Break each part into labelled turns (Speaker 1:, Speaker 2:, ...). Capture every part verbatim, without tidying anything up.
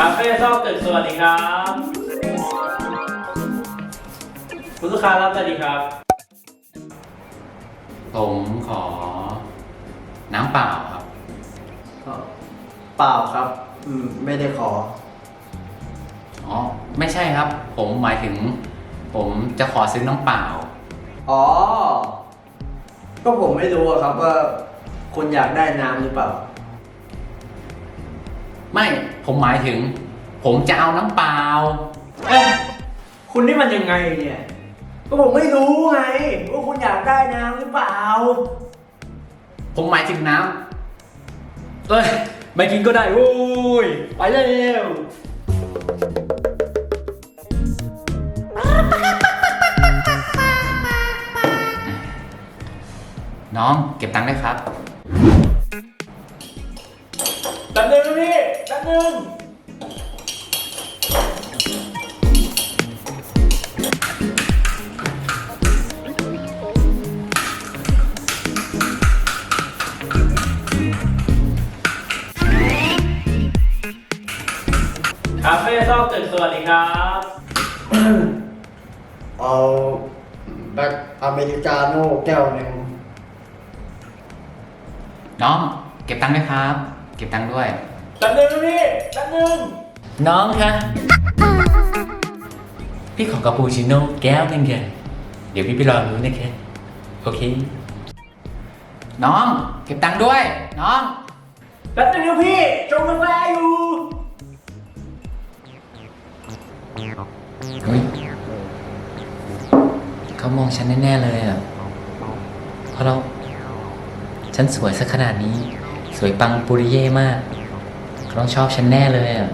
Speaker 1: าเฟ่ซอกตึกสวัสดีครับคุณลูกค้ารับสวัสดีครับ
Speaker 2: ผมขอน้ำเปล่าครับ
Speaker 3: เปล่าครับอืมไม่ได้ขอ
Speaker 2: อ๋อไม่ใช่ครับ ผมหมายถึง ผมจะขอซื้อน้ำเปล่า
Speaker 3: อ๋อ ก็ผมไม่รู้อะครับว่าคุณอยากได้น้ำหรือเปล่า
Speaker 2: ไม่ผมหมายถึง ผมจะเอาน้ำเปล่า
Speaker 3: เอ๊ะคุณนี่มันยังไงเนี่ย ก็ผมไม่รู้ไงว่าคุณอยากได้น้ำหรือเปล่า
Speaker 2: ผมหมายถึงน้ำเอ้ยไม่กินก็ได้โว้ยไปเร็วน้องเก็บตังค์ได้ครับ
Speaker 1: แป๊บนึงนะพี่แป๊บนึงคาเฟ่ซอกตึกสวัสดีครับ
Speaker 3: เอาแบล็คอเมริกาโน่แก้วหนึ่ง
Speaker 2: น้องเก็บตังค์ด้วยครับ เก็บตังค์ด้วย
Speaker 1: แป๊บนึงนะพี่แป๊บนึง
Speaker 2: น้องคะพี่ขอกาปูชิโน่แก้วหนึงค่ะเดี๋ยวพี่ไปรอรู้นะคะโอเค น้องเก็บตังค์ด้วย น้อง
Speaker 1: แป๊บนึงนะพี่ชงกาแฟอยู่
Speaker 2: เฮ้ยเขามองฉันแน่ๆเลยอ่ะเพราะเราฉันสวยสักขนาดนี้ สวยปังปุริเย่มากเขาต้องชอบฉันแน่เลยอ่ะ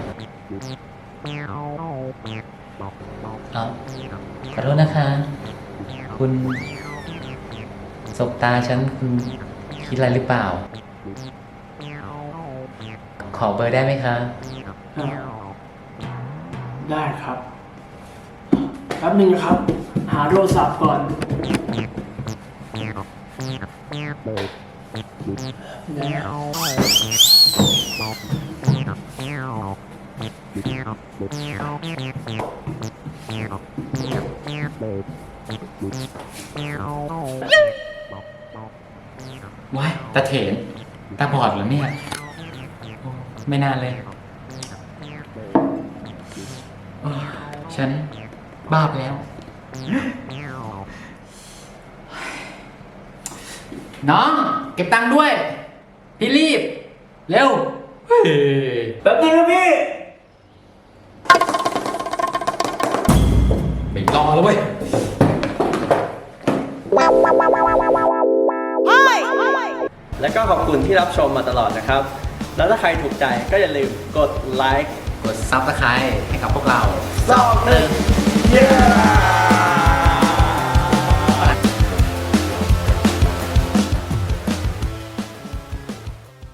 Speaker 2: เอาขอโทษนะคะ คุณสบตาฉันคุณคิดอะไรหรือเปล่า ขอเบอร์ได้ไหมคะ
Speaker 1: ได้ครับแป๊บนึงนะครับ หาโทรศัพท์ก่อน
Speaker 2: ว้ายตาเถนตาบอดเหรอเนี่ย ไม่น่าเลยโอ้ยฉันบ้าไปแล้ว น้อง เก็บตังค์ด้วย พี่รีบ เร็วเฮ้ย
Speaker 1: แป๊บนึงนะพี่
Speaker 2: ไม่รอแล้วเว้ย
Speaker 3: แล้วก็ขอบคุณที่รับชมมาตลอดนะครับ แล้วถ้าใครถูกใจก็อย่าลืมกดไลค์
Speaker 2: กดซับสไครต์ให้กับพวกเรา
Speaker 3: ซอกหนึ่ง